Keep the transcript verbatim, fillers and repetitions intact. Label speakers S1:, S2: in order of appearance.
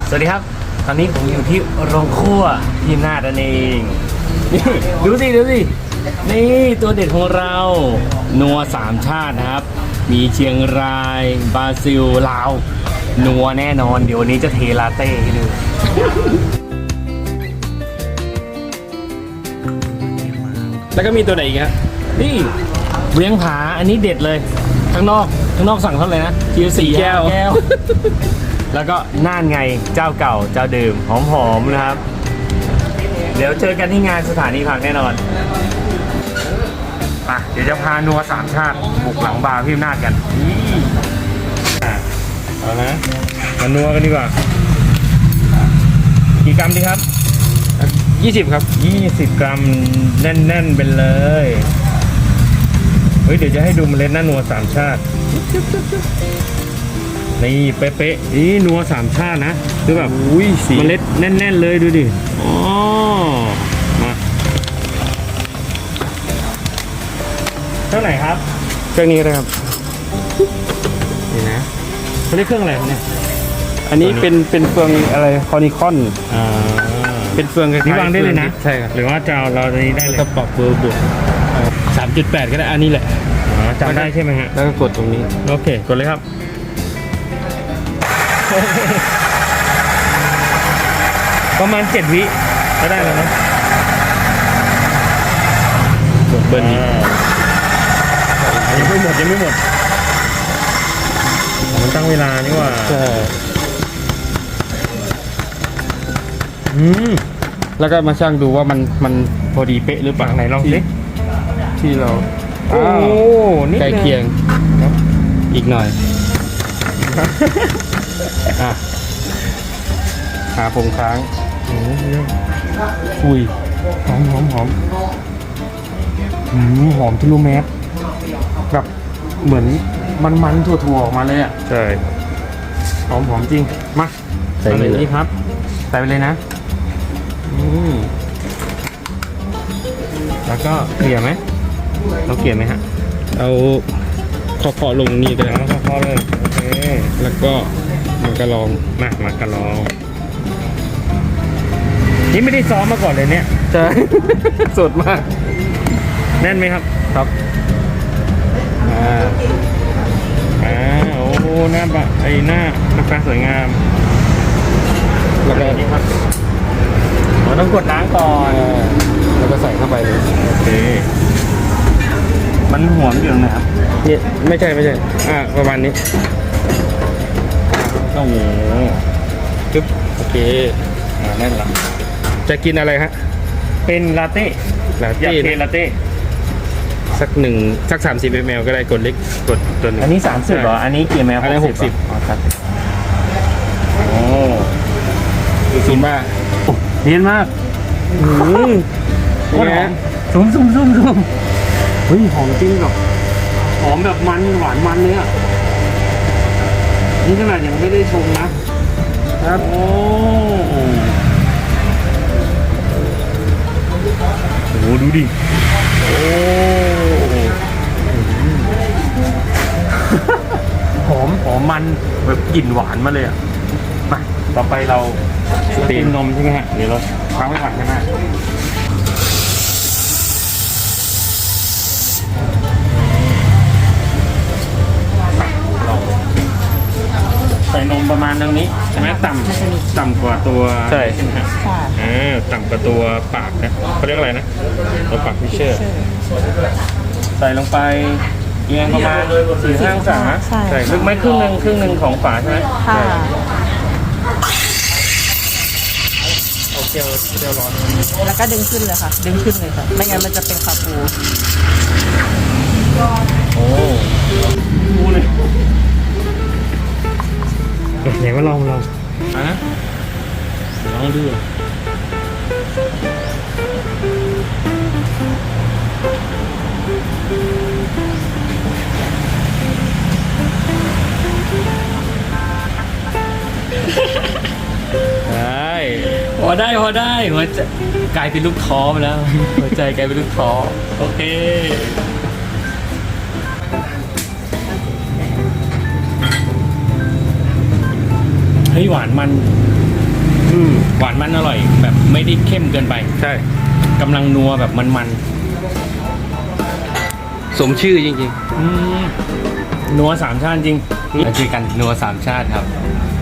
S1: สวัสดีครับตอนนี้ผมอยู่ที่โรงครัวที่นาดนั่นเองนี่ดูสิดูสินี่ตัวเด็ดของเรานัวสามชาตินะครับมีเชียงรายบราซิลลาวนัวแน่นอนเดี๋ยววันนี้จะเทลาเต้ให้ดูแล้วก็มีตัวไหนอีกฮะนี่เวียงผาอันนี้เด็ดเลยข้างนอกข้างนอกสั่งเท่าไหร่นะคิวสี่แก้วแก้ว แล้วก็น่านไงเจ้าเก่าเจ้าเดิมหอมๆนะครับเดี๋ยวเจอกันที่งานสถานีผักแน่นอนอ่ะเดี๋ยวจะพานัวสามชาติบุกหลังบาร์พี่อำนาจกันนี่อ่ะเอานะมานัวกันดีกว่ากี่กรัมดีครับยี่สิบครับยี่สิบกรัมแน่นๆเป็นเลยเฮ้ยเดี๋ยวจะให้ดูเมล็ดหน้านัวสามชาตินี่เป๊ะๆนี่นัวสามชาตินะคือแบบอุ้ยเมล็ดแน่นๆเลยดูดิอ๋อมาเครื่องไหนครับเครื่องนี้ก็ได้ครับนี่นะเขาเรียกเครื่องอะไรครับเนี่ยอันนี้เป็นเป็นเฟืองอะไรคอนิคอนอ่าเป็นเฟืองคล้ายๆนี่วางได้เลยนะใช่ครับหรือว่าจะเอาเราตัวนี้ได้เลยก็ปรับเบอร์บวกสามจุดแปดก็ได้อันนี้แหละอ๋อจำได้ใช่ไหมฮะแล้วก็กดตรงนี้โอเคกดเลยครับประมาณเจ็ดวิก็ได้แล้วนะกดเบอร์นี้ยังไม่หมดยังไม่หมดมันตั้งเวลานี่ว่าใช่อืมแล้วก็มาชั่งดูว่ามันมันพอดีเป๊ะหรือเปล่าไหนลองสิที่เราโอ้นี่ใกล้เคียงอีกหน่อยอ่ะขาผมค้างอุ้ยหอมหอมหอมหืมหอมทะลุแมสแบบเหมือนมันมันถั่วๆออกมาเลยอ่ะใช่หอมหอมจริงมาใส่เลยนี่ครับใส่ไปเลยนะอืมแล้วก็เกลี่ยไหมเราเกลี่ยไหมฮะเอาเคาะๆลงนี่ก็ได้เคาะๆเลยโอเคแล้วก็มากระลองมามากระลองนี่ไม่ได้ซ้อมมาก่อนเลยเนี่ยใช่สดมากแน่นไหมครับครับอ่าอ่าโอ้หน้าบะไอหน้าหน้าฟ้าสวยงามแล้วก็นี่ครับเราต้องกดล้างก่อนแล้วก็ใส่เข้าไปเลยโอเคมันหอมอยู่ตรงไหนครับนี่ไม่ใช่ไม่ใช่อ่าประมาณนี้โอ้โหปึ๊บโอเคอ่าแน่นละจะกินอะไรฮะเป็นลาเต้ลาเต้อยากเป็นลาเต้สักหนึ่งสักสามสิบมลก็ได้กดเล็กกดตัวนึงอันนี้สามสิบเหรออันนี้กี่แมลอันนี้หกสิบอ๋อครับโอ้ดูซูมบ้าเนียนมากอืมนี่ฮะซูมซูมซูมซูมเฮ้ยหอมจริงแบบหอมแบบมันหวานมันเลยอ่ะนี่ขนาดยังไม่ได้ชงนะครับโอ้โหดูดิโอ้หอมหอมมันแบบกลิ่นหวานมาเลยอ่ะมาต่อไปเราสตรีมนมใช่ไหมฮะเดี๋ยวเราค้างไว้ก่อนใช่ไหมใส่นมประมาณตรงนี้ใช่ไหมต่ำต่ำกว่าตัวใช่ใช่ไหมฮะอ่าต่ำกว่าตัวปากนะเขาเรียกอะไรนะตัวปากฟิชเชอร์ใส่ลงไปเอียงประมาณสี่ห้าองศาใส่ลึกไหมครึ่งหนึ่งครึ่งหนึ่งของฝาใช่ไหมค่ะโอเคเดี๋ยวร้อน
S2: แล้วก็ดึงขึ้นเลยค่ะดึงขึ้นเลยค่ะไม่งั้นมันจะเป็นคาปู
S1: โอ้ปูเลยไหนมาลองลองอ่ะลองดูได้พอได้พอได้หัวใจกลายเป็นลูกท้อไปแล้วหัวใจกลายเป็นลูกท้อโอเค อ
S3: เฮ้ยหวานมัน
S1: อืม
S3: หวานมันอร่อย แบบไม่ได้เข้มเกินไป
S1: ใช่
S3: กำลังนัวแบบมัน
S1: สมชื่อจริง
S3: ๆอืมนัวสามชาติจริง
S1: อืม
S3: เราเจอกันนัวสามชาติครับ
S1: ๆ